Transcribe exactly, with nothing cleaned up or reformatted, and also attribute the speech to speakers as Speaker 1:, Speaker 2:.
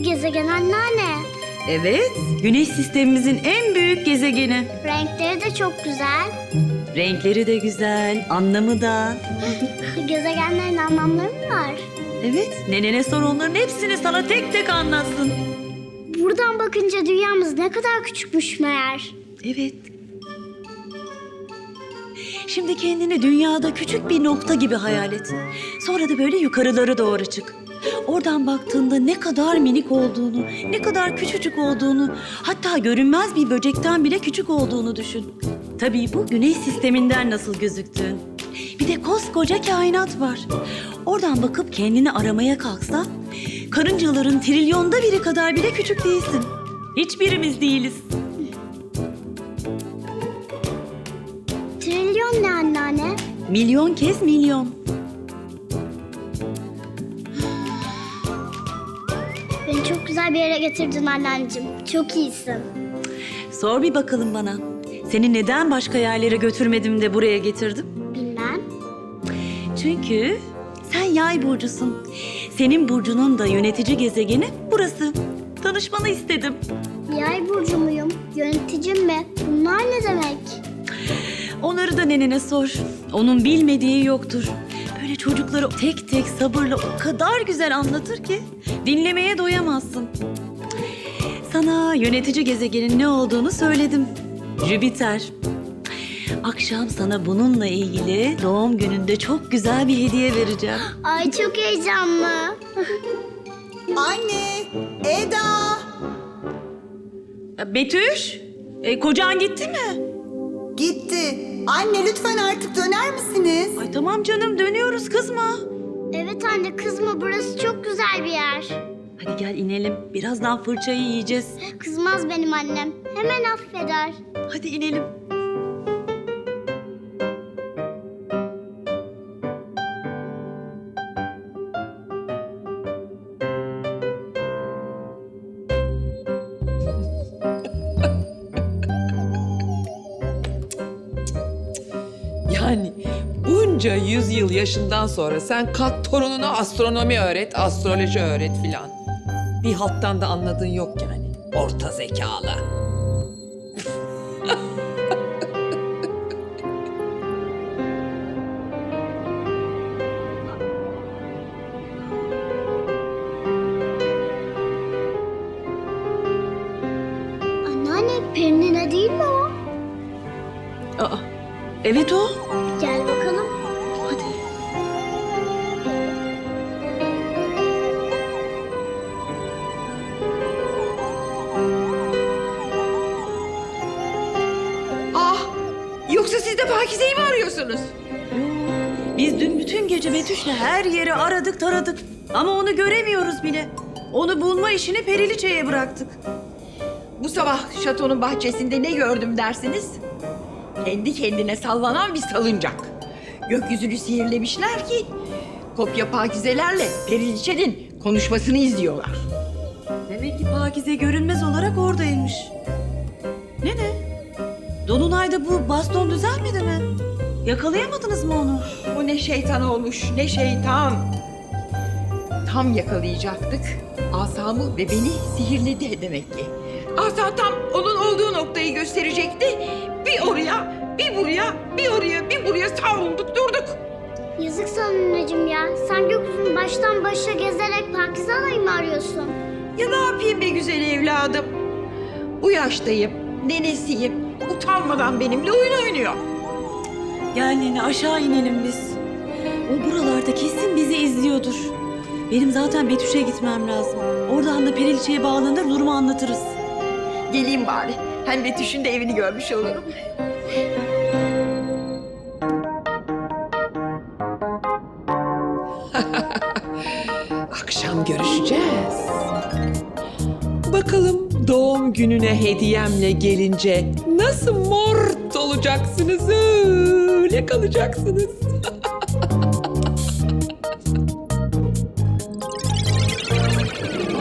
Speaker 1: gezegen anneanne.
Speaker 2: Evet, Güneş sistemimizin en büyük gezegeni.
Speaker 1: Renkleri de çok güzel.
Speaker 2: Renkleri de güzel, anlamı da.
Speaker 1: Gezegenlerin anlamları mı var?
Speaker 2: Evet, nenene sor, onların hepsini sana tek tek anlatsın.
Speaker 1: Buradan bakınca dünyamız ne kadar küçükmüş meğer.
Speaker 2: Evet. Şimdi kendini dünyada küçük bir nokta gibi hayal et. Sonra da böyle yukarılara doğru çık. Oradan baktığında ne kadar minik olduğunu, ne kadar küçücük olduğunu, hatta görünmez bir böcekten bile küçük olduğunu düşün. Tabii bu Güneş sisteminden nasıl gözüktüğün. Bir de koskoca kainat var. Oradan bakıp kendini aramaya kalksan, karıncaların trilyonda biri kadar bile küçük değilsin. Hiçbirimiz değiliz.
Speaker 1: Trilyon ne anneanne?
Speaker 2: Milyon kez milyon.
Speaker 1: Beni çok güzel bir yere getirdin anneanneciğim. Çok iyisin.
Speaker 2: Sor bir bakalım bana. Seni neden başka yerlere götürmedim de buraya getirdim?
Speaker 1: Bilmem.
Speaker 2: Çünkü sen yay burcusun. Senin burcunun da yönetici gezegeni burası. Tanışmanı istedim.
Speaker 1: Yay burcu muyum? Yöneticim mi? Bunlar ne demek?
Speaker 2: Onları da nenene sor. Onun bilmediği yoktur. Böyle çocuklara tek tek sabırla o kadar güzel anlatır ki dinlemeye doyamazsın. Sana yönetici gezegenin ne olduğunu söyledim. Jüpiter. Akşam sana bununla ilgili doğum gününde çok güzel bir hediye vereceğim.
Speaker 1: Ay çok heyecanlı.
Speaker 3: Anne, Eda.
Speaker 2: Betüş, e, kocan gitti mi?
Speaker 3: Gitti. Anne lütfen artık döner misiniz?
Speaker 2: Ay tamam canım, dönüyoruz, kızma.
Speaker 1: Evet anne kızma, burası çok güzel bir yer.
Speaker 2: Hadi gel inelim. Birazdan fırçayı yiyeceğiz.
Speaker 1: Kızmaz benim annem. Hemen affeder.
Speaker 2: Hadi inelim.
Speaker 4: Yani bunca yüzyıl yaşından sonra sen kalk torununa astronomi öğret, astroloji öğret filan. Bir halttan da anladığın yok yani. Orta zekalı.
Speaker 1: Anneanne Perinine değil mi o?
Speaker 2: Aa, evet o.
Speaker 1: Gel bakalım.
Speaker 2: Hadi.
Speaker 4: Ah! Yoksa siz de Pakize'yi mi arıyorsunuz?
Speaker 2: Biz dün bütün gece Betüş'le her yeri aradık taradık. Ama onu göremiyoruz bile. Onu bulma işini Periliçe'ye bıraktık.
Speaker 5: Bu sabah şatonun bahçesinde ne gördüm dersiniz? Kendi kendine sallanan bir salıncak. Gökyüzünü sihirlemişler ki kopya pakizelerle Periliçe'nin konuşmasını izliyorlar.
Speaker 2: Demek ki Pakize görünmez olarak oradaymış. Ne ne? Dolunay'da bu baston düzelmedi mi? Yakalayamadınız mı onu?
Speaker 5: O ne şeytan olmuş, ne şeytan. Tam yakalayacaktık. Asamı ve beni sihirledi demek ki. Asa tam onun olduğu noktayı gösterecekti. Bir oraya, bir buraya, bir oraya, bir buraya savrulduk durduk.
Speaker 1: Yazık sana anneciğim ya. Sen gökyüzünü baştan başa gezerek Pakize Alayı mı arıyorsun?
Speaker 5: Ya ne yapayım be güzel evladım? Bu yaştayım, nenesiyim. Utanmadan benimle oyun oynuyor.
Speaker 2: Gel nene, aşağı inelim biz. O buralarda kesin bizi izliyordur. Benim zaten Betüş'e gitmem lazım. Oradan da Periliçe'ye bağlanır, durumu anlatırız.
Speaker 5: Geleyim bari. Hem Betüş'ün de evini görmüş olurum.
Speaker 4: Akşam görüşeceğiz. Bakalım doğum gününe hediyemle gelince nasıl mort olacaksınız, öyle kalacaksınız.